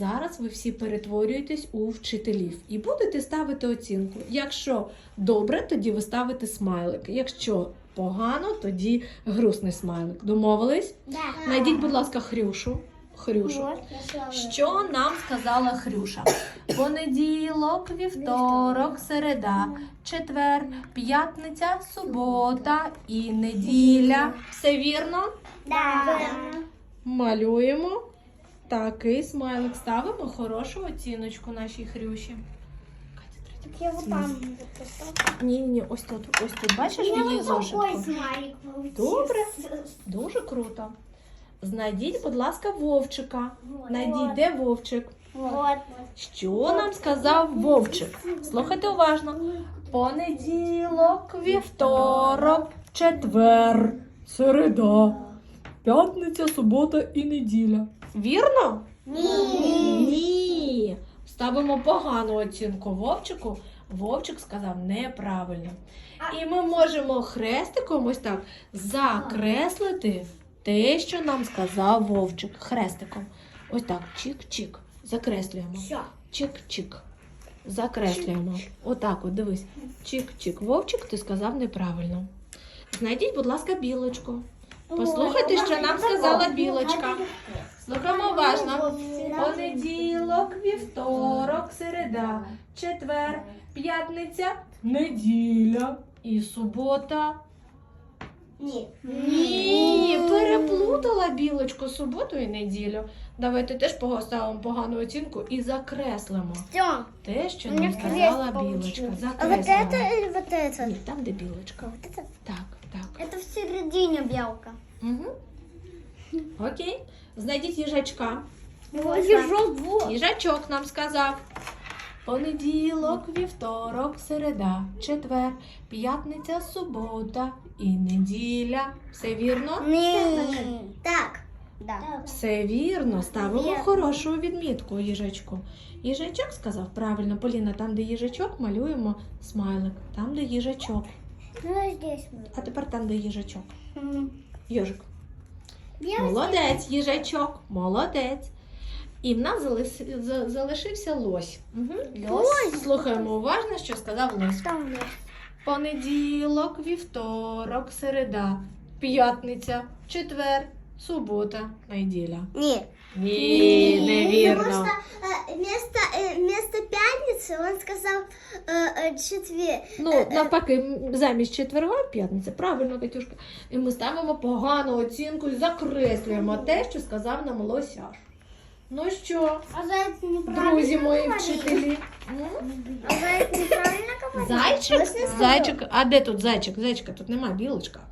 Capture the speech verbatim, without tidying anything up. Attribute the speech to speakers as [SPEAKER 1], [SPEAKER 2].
[SPEAKER 1] Зараз ви всі перетворюєтесь у вчителів і будете ставити оцінку. Якщо добре, тоді ви ставите смайлик. Якщо погано, тоді грустний смайлик. Домовились?
[SPEAKER 2] Да.
[SPEAKER 1] Найдіть, будь ласка, Хрюшу. Хрюшу. Що нам сказала Хрюша? Понеділок, вівторок, середа, четвер, п'ятниця, субота і неділя. Все вірно?
[SPEAKER 2] Да.
[SPEAKER 1] Малюємо. Такий смайлик. Ставимо хорошу оціночку нашій Хрюші.
[SPEAKER 2] Так я вот там поставлю.
[SPEAKER 1] Ні-ні, ось тут, ось тут. Бачиш
[SPEAKER 2] У меня
[SPEAKER 1] її
[SPEAKER 2] вот такой
[SPEAKER 1] зошитку?
[SPEAKER 2] смайлик получился.
[SPEAKER 1] Добре. Дуже круто. Знайдіть, будь ласка, Вовчика. Найдіть, де Вовчик.
[SPEAKER 2] Вот.
[SPEAKER 1] Що нам сказав Вовчик? Слухайте уважно. Понеділок, вівторок, четвер, середа, п'ятниця, субота і неділя. Вірно?
[SPEAKER 2] Ні.
[SPEAKER 1] Ні. Ставимо погану оцінку Вовчику. Вовчик сказав неправильно. І ми можемо хрестиком ось так закреслити те, що нам сказав Вовчик. Хрестиком. Ось так, чик-чик. Закреслюємо.
[SPEAKER 2] Все.
[SPEAKER 1] Чик-чик. Закреслюємо. Отак от, дивись. Чик-чик. Вовчик, ти сказав неправильно. Знайдіть, будь ласка, білочку. Послухайте, що нам сказала білочка. Слухаємо уважно. Понеділок, вівторок, середа, четвер, п'ятниця, неділя і субота.
[SPEAKER 2] Ні.
[SPEAKER 1] Ні, переплутала білочку суботу і неділю. Давайте теж поставимо погану оцінку і закреслимо
[SPEAKER 2] Все.
[SPEAKER 1] те, що
[SPEAKER 2] У мене
[SPEAKER 1] нам сказала
[SPEAKER 2] крест
[SPEAKER 1] білочка.
[SPEAKER 2] получился. А вот
[SPEAKER 1] Закреслимо.
[SPEAKER 2] это или вот это?
[SPEAKER 1] Ні, там, де білочка.
[SPEAKER 2] Вот это?
[SPEAKER 1] Так, так.
[SPEAKER 2] Это в середине белка.
[SPEAKER 1] Угу. Окей. Знайдіть їжачка.
[SPEAKER 2] Ежок, вот.
[SPEAKER 1] Їжачок нам сказав. Понеділок, вівторок, середа, четвер, п'ятниця, субота і неділя. Все вірно?
[SPEAKER 2] Ні. Так. Да.
[SPEAKER 1] Все вірно. Ставимо
[SPEAKER 2] Вірно.
[SPEAKER 1] хорошу відмітку їжачку. Їжачок сказав правильно. Поліна, там, де їжачок, малюємо смайлик. Там, де їжачок.
[SPEAKER 2] Ну, а здесь мы.
[SPEAKER 1] А тепер там, де їжачок. Йожик.
[SPEAKER 2] Я
[SPEAKER 1] Молодець, їжачок. Молодець. І в нас залис- за- залишився лось. Угу. Лось. Слухаємо уважно, що сказав лось.
[SPEAKER 2] Там есть.
[SPEAKER 1] Понеділок, вівторок, середа, п'ятниця, четвер, субота, неділя.
[SPEAKER 2] Нет.
[SPEAKER 1] Ні, невірно.
[SPEAKER 2] Потому что э, вместо, э, вместо пятницы он сказал э, э, четверг.
[SPEAKER 1] Ну, навпаки, м, замість четверга п'ятниця. Правильно, Катюшка. І ми ставимо погану оцінку і закреслюємо те, що сказав нам лосяш. Ну що,
[SPEAKER 2] А заяц неправильно
[SPEAKER 1] друзі мої
[SPEAKER 2] говорит?
[SPEAKER 1] вчителі? М?
[SPEAKER 2] А заяц неправильно говорит?
[SPEAKER 1] Зайчик?
[SPEAKER 2] Лось не сказал.
[SPEAKER 1] Зайчик. А де тут зайчик? Зайчика тут немає, білочка.